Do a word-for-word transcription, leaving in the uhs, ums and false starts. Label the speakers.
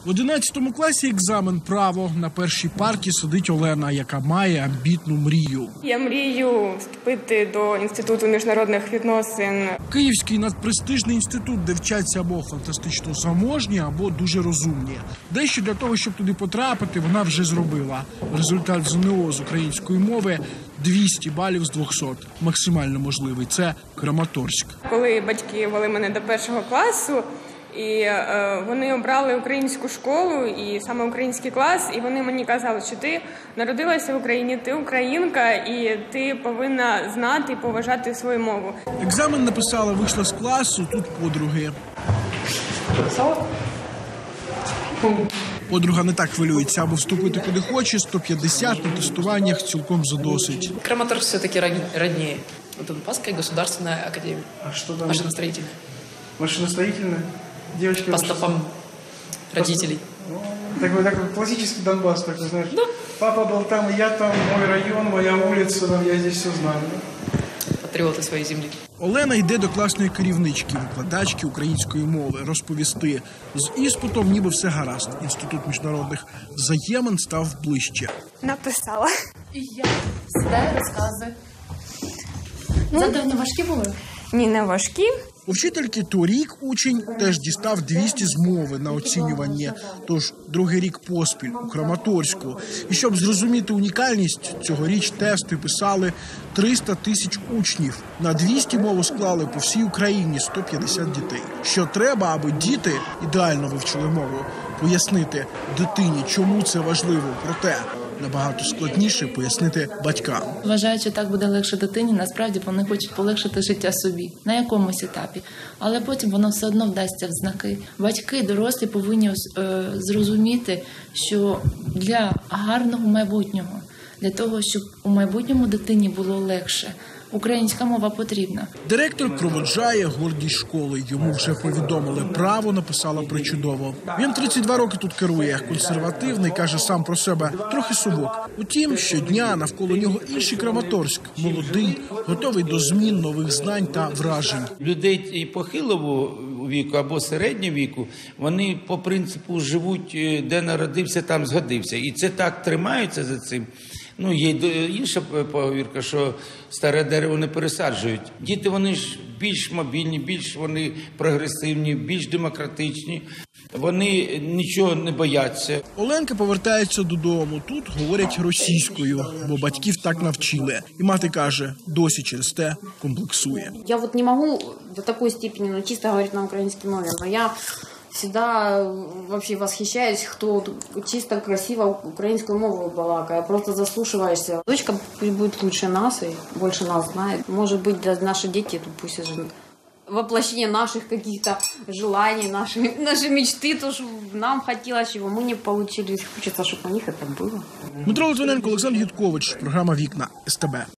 Speaker 1: В одинадцятому класі екзамен право. На першій парті сидить Олена, яка має амбітну мрію.
Speaker 2: Я мрію вступити до Інституту міжнародних відносин.
Speaker 1: Київський надпрестижний інститут, де вчаться або фантастично заможні, або дуже розумні. Дещо для того, щоб туди потрапити, вона вже зробила. Результат ЗНО з української мови – двісті балів з двохсот. Максимально можливий. Це Краматорськ.
Speaker 2: Коли батьки вели мене до першого класу, і е, вони обрали українську школу і саме український клас, і вони мені казали, що ти народилася в Україні, ти українка, і ти повинна знати і поважати свою мову.
Speaker 1: Екзамен написала, вийшла з класу, тут подруги. Подруга не так хвилюється, аби вступити куди хоче, сто п'ятдесят на тестуваннях цілком задосить.
Speaker 3: Краматорск все-таки роднее. Вот Донбасская государственная академия.
Speaker 4: А что там?
Speaker 3: Машиностроительная.
Speaker 4: Машиностроительная? Девочки...
Speaker 3: По стопам родителей.
Speaker 4: Ну, такой, такой классический Донбасс, такой, знаешь. Да. Папа был там, и я там, мой район, моя улица, там, я здесь все знаю.
Speaker 3: Патріоти своєї землі.
Speaker 1: Олена йде до класної керівнички, викладачки української мови, розповісти. З іспитом ніби все гаразд. Інститут міжнародних взаємин став ближче.
Speaker 2: Написала.
Speaker 5: І я складаю розкази. Завдання важкі були?
Speaker 2: Ні, не важкі.
Speaker 1: У вчительки торік учень теж дістав двісті з мови на оцінювання, тож другий рік поспіль у Краматорську. І щоб зрозуміти унікальність, цьогоріч тести писали триста тисяч учнів. На двісті мову склали по всій Україні сто п'ятдесят дітей. Що треба, аби діти ідеально вивчили мову? Пояснити дитині, чому це важливо, проте набагато складніше пояснити батькам.
Speaker 5: Вважають, що так буде легше дитині, насправді вони хочуть полегшити життя собі на якомусь етапі. Але потім воно все одно вдасться в знаки. Батьки, дорослі повинні е, зрозуміти, що для гарного майбутнього, для того, щоб у майбутньому дитині було легше, українська мова потрібна.
Speaker 1: Директор проводжає гордість школи. Йому вже повідомили, право написала причудово. Він тридцять два роки тут керує. Консервативний, каже сам про себе, трохи совок. Утім, щодня навколо нього інший Краматорськ. Молодий, готовий до змін, нових знань та вражень.
Speaker 6: Людей і похилого віку або середнього віку, вони по принципу живуть, де народився, там згодився. І це так тримаються за цим. Ну, є інша поговірка, що старе дерево не пересаджують. Діти, вони ж більш мобільні, більш вони прогресивні, більш демократичні. Вони нічого не бояться.
Speaker 1: Оленка повертається додому. Тут говорять російською, бо батьків так навчили. І мати каже, досі через те комплексує.
Speaker 7: Я вот не могу до такой степени, ну, чисто говорить на украинской мове, но я всегда вообще восхищаюсь, кто чисто красиво украинскую мову балакает. Просто заслушиваешься. Дочка будет лучше нас и больше нас знает. Может быть, да, наши дети, пусть уже воплощение наших каких-то желаний, наши, наши мечты, то, что нам хотелось, чего мы не получили. Хочется, чтобы у них это было.
Speaker 1: Дмитро Литвиненко, Олександр Юткович. Програма «Вікна» ес те бе.